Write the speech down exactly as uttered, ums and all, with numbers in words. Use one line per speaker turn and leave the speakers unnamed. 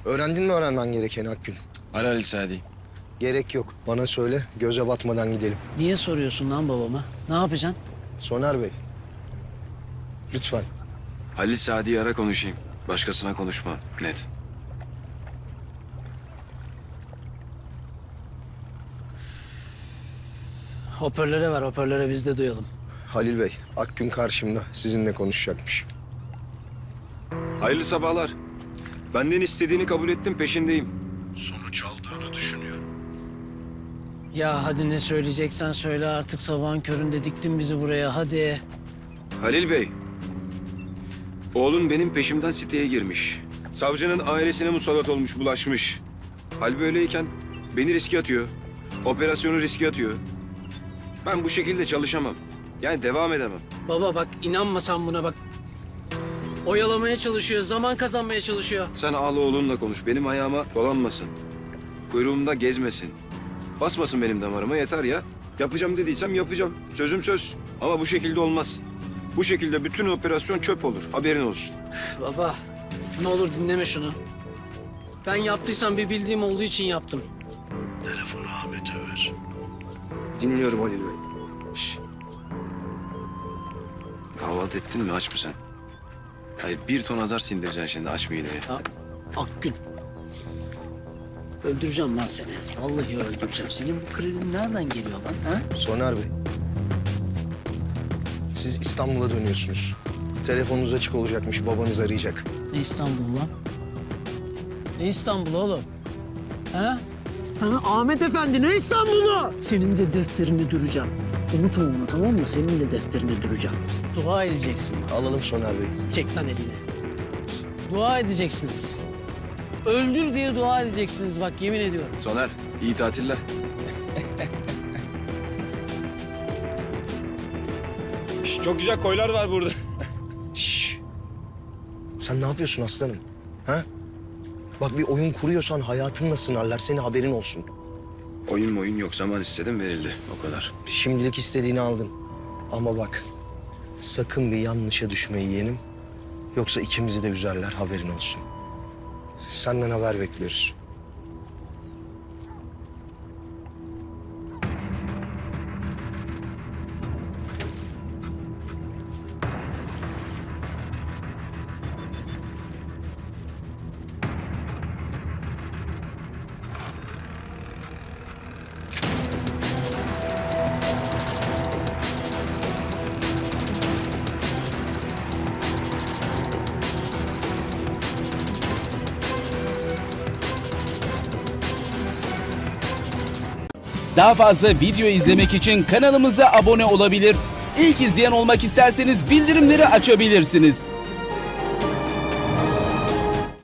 Öğrendin mi öğrenmen gerekeni Akgün?
Ara Ali Sadi.
Gerek yok. Bana söyle, göze batmadan gidelim.
Niye soruyorsun lan babama? Ne yapacaksın?
Soner Bey, lütfen.
Halil Sadi'yi ara konuşayım. Başkasına konuşma. Net.
Hoparlöre ver, hoparlöre biz de duyalım.
Halil Bey, Akgün karşımda. Sizinle konuşacakmış.
Hayırlı sabahlar. Benden istediğini kabul ettim, peşindeyim. Sonuç aldığını düşünüyorum.
Ya hadi ne söyleyeceksen söyle artık, sabahın köründe diktin bizi buraya, hadi.
Halil Bey, oğlun benim peşimden siteye girmiş. Savcının ailesine musallat olmuş, bulaşmış. Hal böyleyken beni riske atıyor. Operasyonu riske atıyor. Ben bu şekilde çalışamam. Yani devam edemem.
Baba bak, inanmasan buna bak. Oyalamaya çalışıyor, zaman kazanmaya çalışıyor.
Sen ağla oğlunla konuş. Benim ayağıma dolanmasın. Kuyruğumda gezmesin. Basmasın benim damarıma, yeter ya. Yapacağım dediysem yapacağım. Sözüm söz. Ama bu şekilde olmaz. Bu şekilde bütün operasyon çöp olur. Haberin olsun.
Baba, ne olur dinleme şunu. Ben yaptıysam bir bildiğim olduğu için yaptım.
Telefonu Ahmet'e ver.
Dinliyorum Halil Bey.
Şş. Kahvaltı ettin mi? Aç mısın? Hayır, bir ton azar sindireceksin şimdi, aç mideyi.
Ya, Akgün. Öldüreceğim lan seni. Vallahi öldüreceğim. Senin bu kredin nereden geliyor lan? Ha?
Soner Bey, siz İstanbul'a dönüyorsunuz. Telefonunuz açık olacakmış, babanız arayacak.
Ne İstanbul lan? Ne İstanbul oğlum? Ha? Ha, Ahmet Efendi ne İstanbul'u? Senin de defterini duracağım. Unutma onu, tamam mı? Senin de defterini duracağım. Dua edeceksin.
Alalım Soner Bey.
Çek lan elini. Dua edeceksiniz. Öldür diye dua edeceksiniz bak, yemin ediyorum.
Soner, iyi tatiller. Çok güzel koylar var burada.
Şşş! Sen ne yapıyorsun aslanım? Ha? Bak bir oyun kuruyorsan hayatınla sınarlar, senin haberin olsun.
Oyun oyun yok, zaman istedim verildi, o kadar.
Şimdilik istediğini aldın. Ama bak, sakın bir yanlışa düşme yeğenim. Yoksa ikimizi de üzerler, haberin olsun. Senden haber bekliyoruz.
Daha fazla video izlemek için kanalımıza abone olabilir. İlk izleyen olmak isterseniz bildirimleri açabilirsiniz.